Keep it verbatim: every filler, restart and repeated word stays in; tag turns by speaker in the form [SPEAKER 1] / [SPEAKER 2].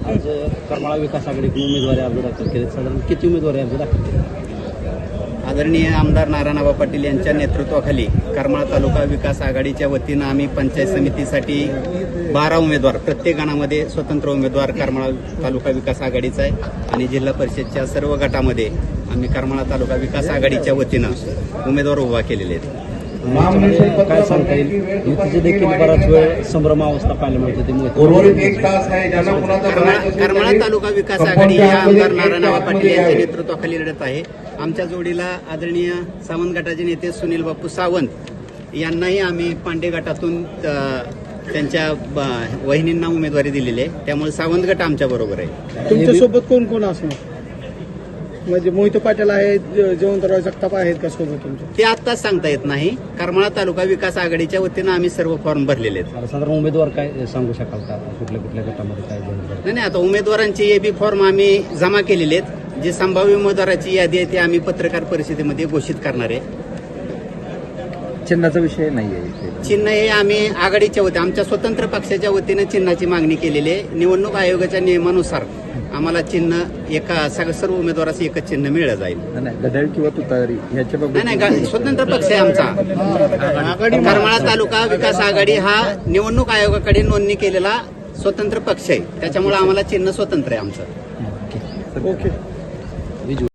[SPEAKER 1] आज करमाळा विकास आघाडीकडून उमेदवारी अर्ज दाखल केले. साधारण किती उमेदवारी अर्ज दाखल केले?
[SPEAKER 2] आदरणीय आमदार नारायणआबा पाटील यांच्या नेतृत्वाखाली करमाळा तालुका विकास आघाडीच्या वतीनं आम्ही पंचायत समितीसाठी बारा उमेदवार, प्रत्येक गणामध्ये स्वतंत्र उमेदवार करमाळा तालुका विकास आघाडीचा आहे आणि जिल्हा परिषदच्या सर्व गटामध्ये आम्ही करमाळा तालुका विकास आघाडीच्या वतीनं उमेदवार उभा केलेले आहेत.
[SPEAKER 1] याच्यामध्ये काय सांगता येईल? युतीचे देखील बराच वेळ संभ्रमावस्था पाहायला मिळते.
[SPEAKER 2] करमाळा करमाळा तालुका विकास आघाडी या आमदार नारायणआबा पाटील यांच्या नेतृत्वाखाली लढत आहे. आमच्या जोडीला आदरणीय सावंत गटाचे नेते सुनील बापू सावंत यांनाही आम्ही पांडे गटातून त्यांच्या वहिनींना उमेदवारी दिलेली आहे. त्यामुळे सावंत गट आमच्या बरोबर आहे.
[SPEAKER 3] तुमच्यासोबत कोण कोण असणार? म्हणजे मोहिते पाटील आहेत, जयवंतराव जगताप आहेत का सोबत तुमच्या?
[SPEAKER 2] ते आत्ताच सांगता येत नाही. करमाळा तालुका विकास आघाडीच्या वतीनं आम्ही सर्व फॉर्म भरलेले आहेत.
[SPEAKER 1] साधारण उमेदवार काय सांगू शकाल का? कुठल्या कुठल्या गटामध्ये काय जाहीर?
[SPEAKER 2] नाही नाही आता उमेदवारांचे ए बी फॉर्म आम्ही जमा केलेले आहेत. जे संभाव्य उमेदवाराची यादी आहे ती आम्ही पत्रकार परिषदेमध्ये घोषित करणार आहे.
[SPEAKER 4] चिन्हाचा विषय नाहीये.
[SPEAKER 2] चिन्ह हे आम्ही आघाडीच्या वतीने आमच्या स्वतंत्र पक्षाच्या वतीनं चिन्हाची मागणी केलेली आहे. निवडणूक आयोगाच्या नियमानुसार आम्हाला चिन्ह एका सर्व उमेदवाराचं एकच चिन्ह मिळलं जाईल.
[SPEAKER 4] नाही घड्याळ किंवा तुतारी ह्याच्या बाबत
[SPEAKER 2] नाही नाही स्वतंत्र पक्ष आहे आमचा. करमाळा तालुका विकास आघाडी हा निवडणूक आयोगाकडे नोंदणी केलेला स्वतंत्र पक्ष आहे. त्याच्यामुळे आम्हाला चिन्ह स्वतंत्र आहे आमचं.
[SPEAKER 3] ओके.